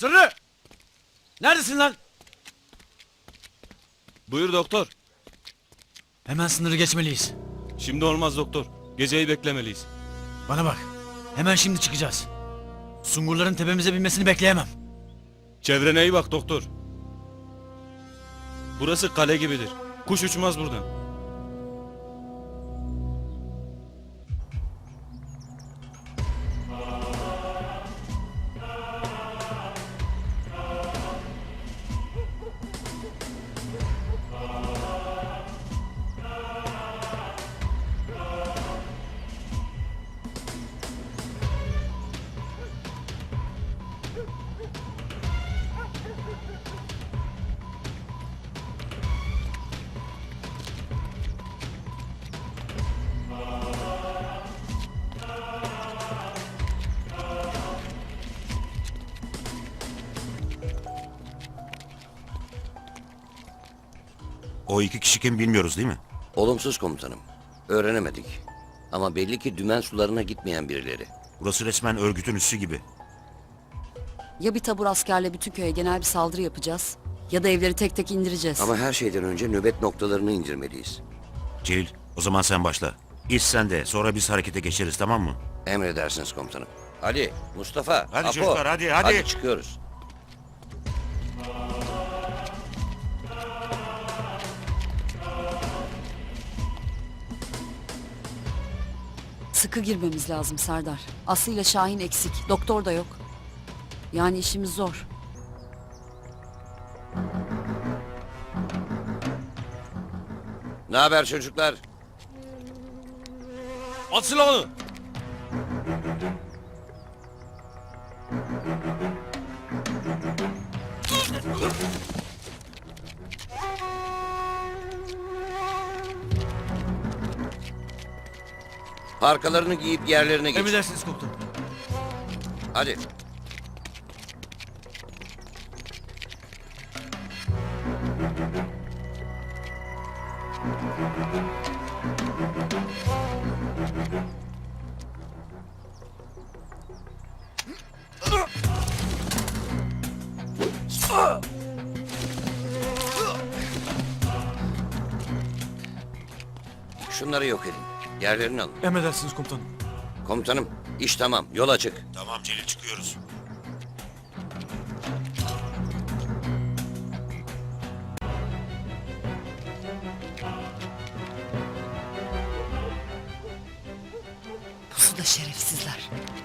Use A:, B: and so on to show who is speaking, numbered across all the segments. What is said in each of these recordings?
A: Sırrı! Neredesin lan?
B: Buyur doktor.
A: Hemen sınırı geçmeliyiz.
B: Şimdi olmaz doktor. Geceyi beklemeliyiz.
A: Bana bak. Hemen şimdi çıkacağız. Sungurların tepemize binmesini bekleyemem.
B: Çevrene iyi bak doktor. Burası kale gibidir. Kuş uçmaz buradan.
C: O iki kişi kim bilmiyoruz değil mi?
D: Olumsuz komutanım. Öğrenemedik. Ama belli ki dümen sularına gitmeyen birileri.
C: Burası resmen örgütün üssü gibi.
E: Ya bir tabur askerle bütün köye genel bir saldırı yapacağız ya da evleri tek tek indireceğiz.
D: Ama her şeyden önce nöbet noktalarını indirmeliyiz.
C: Celil, o zaman sen başla. İlk sen de, sonra biz harekete geçeriz, tamam mı?
D: Emredersiniz komutanım. Ali, Mustafa,
C: Hadi
D: Apo.
C: çocuklar, hadi.
D: Hadi çıkıyoruz.
E: Sıkı girmemiz lazım Serdar. Aslı ile Şahin eksik. Doktor da yok. Yani işimiz zor.
D: Ne haber çocuklar?
B: At silahını.
D: Parkalarını giyip yerlerine geç.
A: Emredersiniz komutanım.
D: Hadi. Şunları yok edin. Yerlerini alın.
A: Emredersiniz komutanım.
D: Komutanım, iş tamam. Yol açık.
C: Tamam Celil, çıkıyoruz.
E: Pusuda şerefsizler.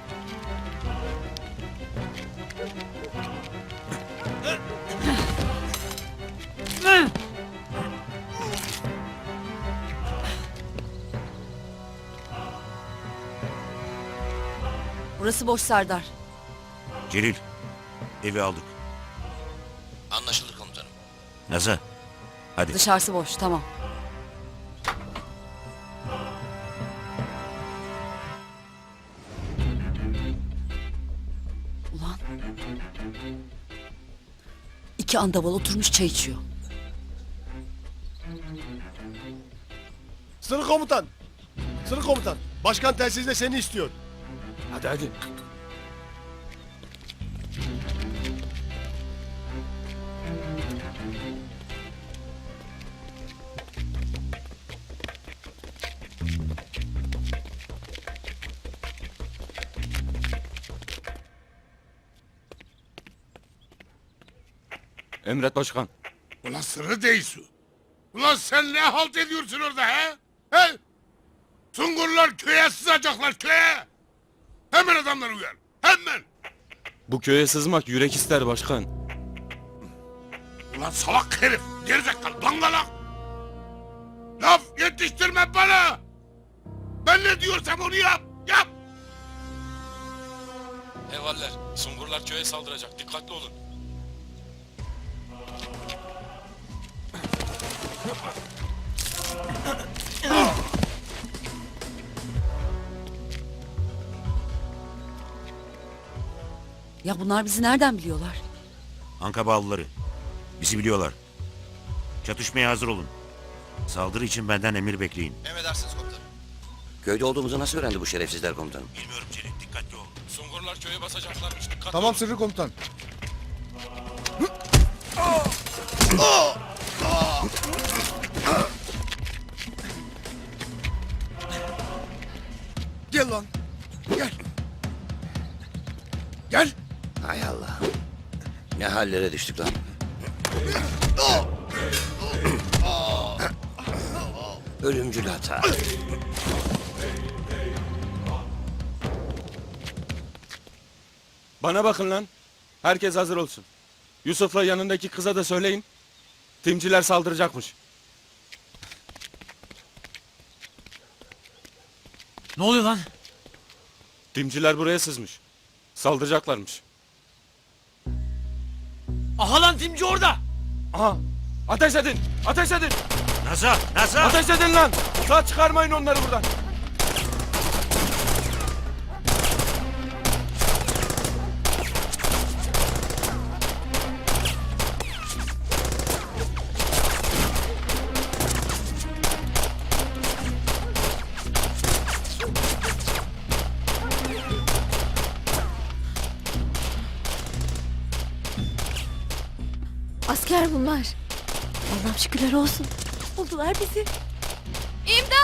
E: Burası boş Serdar.
C: Celil, evi aldık.
D: Anlaşıldı komutanım.
C: Naza, hadi.
E: Dışarısı boş, tamam. Ulan. İki andaval oturmuş çay içiyor.
F: Sırrı komutan. Sırrı komutan. Başkan telsizle seni istiyor.
A: Hadi hadi.
B: Emret başkan.
G: Ulan sırrı değilsin. Ulan sen ne halt ediyorsun orada he? He? Sungurlar köye sızacaklar köye. Hemen adamları uyar. Hemen.
B: Bu köye sızmak yürek ister başkan.
G: Ulan salak herif. Gerizekalı dangalak. Laf yetiştirme bana. Ben ne diyorsam onu yap. Yap.
B: Hevaller. Sungurlar köye saldıracak. Dikkatli olun.
E: Ya bunlar bizi nereden biliyorlar?
C: Anka bağlıları. Bizi biliyorlar. Çatışmaya hazır olun. Saldırı için benden emir bekleyin.
D: Köyde olduğumuzu nasıl öğrendi bu şerefsizler komutanım?
C: Bilmiyorum Celil, dikkatli ol.
B: Sungurlar köye basacaklarmış. Dikkatli
F: Tamam
B: olun.
F: Sırrı komutan. Gel lan. Gel. Gel.
D: Hay Allah. Ne hallere düştük lan. Ölümcül hata.
B: Bana bakın lan. Herkes hazır olsun. Yusuf'la yanındaki kıza da söyleyin. Timciler saldıracakmış.
A: Ne oluyor lan?
B: Timciler buraya sızmış. Saldıracaklarmış.
A: Aha lan timci orada.
B: Aha! Ateş edin! Ateş edin!
C: Nasıl? Nasıl?
B: Ateş edin lan! Sağ çıkarmayın onları buradan.
H: Asker bunlar. Allah'ım şükürler olsun. Buldular bizi.